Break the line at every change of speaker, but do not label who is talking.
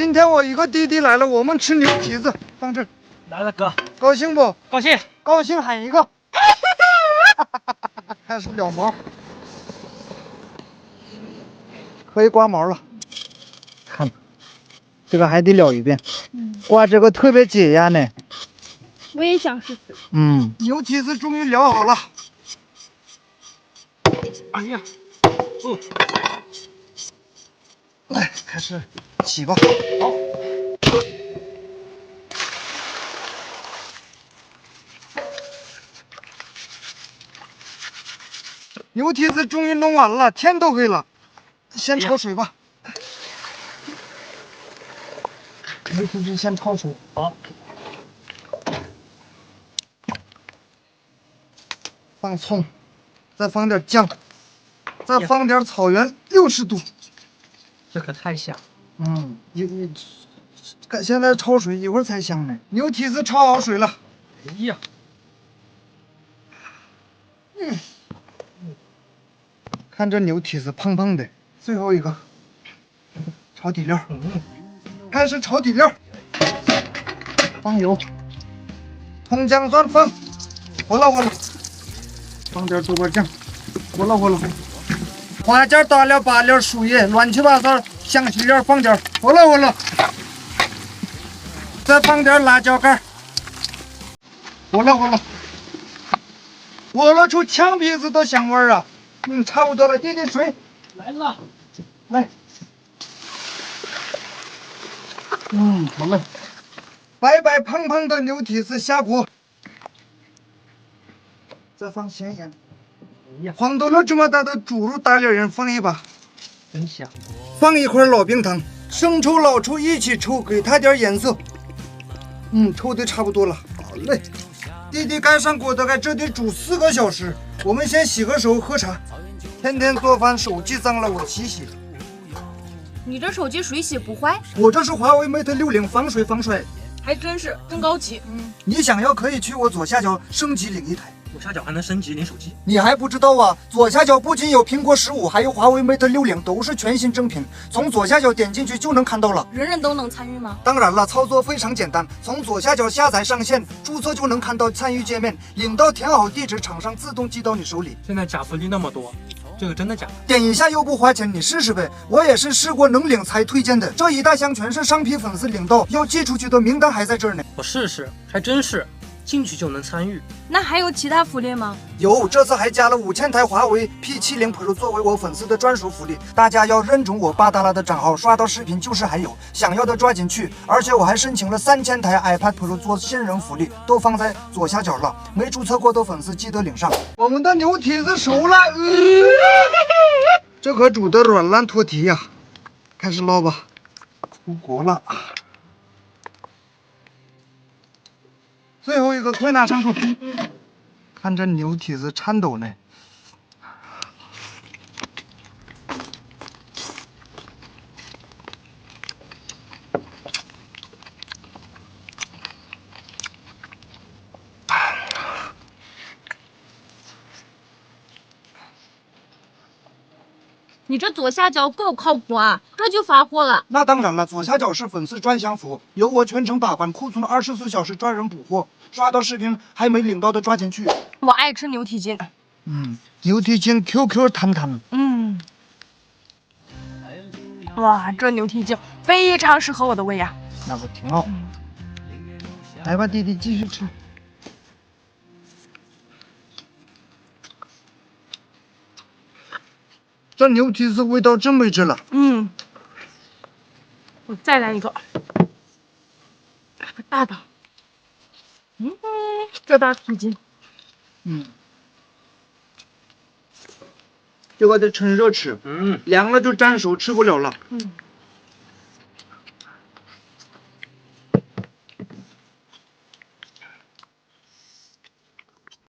今天我一个弟弟来了，我们吃牛蹄子，放这儿。
来了哥，
高兴不？
高兴。
高兴喊一个。开始燎毛，可以刮毛了。看，这个还得燎一遍。哇，这个特别解压呢。
我也想试试。
牛蹄子终于燎好了。
哎呀，
来，开始洗吧。
好。
牛蹄子终于弄完了，天都黑了，先焯水吧。牛蹄子先焯水。
好。
放葱，再放点酱，再放点草原60度。
这可太香。
现在焯水，一会儿才香呢。牛蹄子焯好水了。
哎呀，
看这牛蹄子胖胖的。最后一个，炒底料。开始炒底料，放油，葱姜蒜放，活了活了，放点豆瓣酱，活了活了，花椒、大料、八料、树叶，乱七八糟香辛料放点，活了活了，再放点辣椒干，活了活了，活了出呛鼻子的香味儿啊！差不多了，滴滴水
来了，
来。好了，白白胖胖的牛蹄子下锅，再放咸盐。
哎呀，
黄豆了这么大的猪肉大脸人放一把，
真香。
放一块老冰糖，生抽老抽一起抽，给它点颜色。抽的差不多了。好嘞，弟弟盖上锅大概这得煮4个小时。我们先洗个手喝茶。天天做饭手机脏了我洗洗。
你这手机水洗不坏？
我这是华为 Mate 60防水防摔。
还真是真高级。
你想要可以去我左下角升级领一台。
左下角还能升级领手机。
你还不知道啊？左下角不仅有苹果15，还有华为 Mate 60，都是全新正品。从左下角点进去就能看到了。
人人都能参与吗？
当然了，操作非常简单，从左下角下载上线，注册就能看到参与界面，领到填好地址，厂商自动寄到你手里。
现在假福利那么多，这个真的假的？
点一下又不花钱，你试试呗。我也是试过能领才推荐的，这一大箱全是上批粉丝领到，要寄出去的名单还在这儿呢。
我试试，还真是，进去就能参与。
那还有其他福利吗？
有，这次还加了5000台华为 P70 Pro 作为我粉丝的专属福利，大家要认准我巴达拉的账号，刷到视频就是还有，想要的抓紧去。而且我还申请了3000台 iPad Pro 做新人福利，都放在左下角了，没注册过的粉丝记得领上。我们的牛蹄子熟了，这可煮的软烂脱蹄呀！开始捞吧，出锅了。最后一个，快拿上桌！看这牛蹄子颤抖呢。
你这左下角够靠谱啊，这就发货了。
那当然了，左下角是粉丝专享服务，由我全程把关，库存24小时专人补货，刷到视频还没领到的抓紧去。
我爱吃牛蹄筋。
牛蹄筋 QQ 弹弹。
哇，这牛蹄筋非常适合我的胃呀。
那可挺好。来吧，弟弟继续吃。这牛蹄子味道真没治了。
我再来一个，大的。这大蹄筋。
这个得趁热吃，凉了就粘手，吃不了了。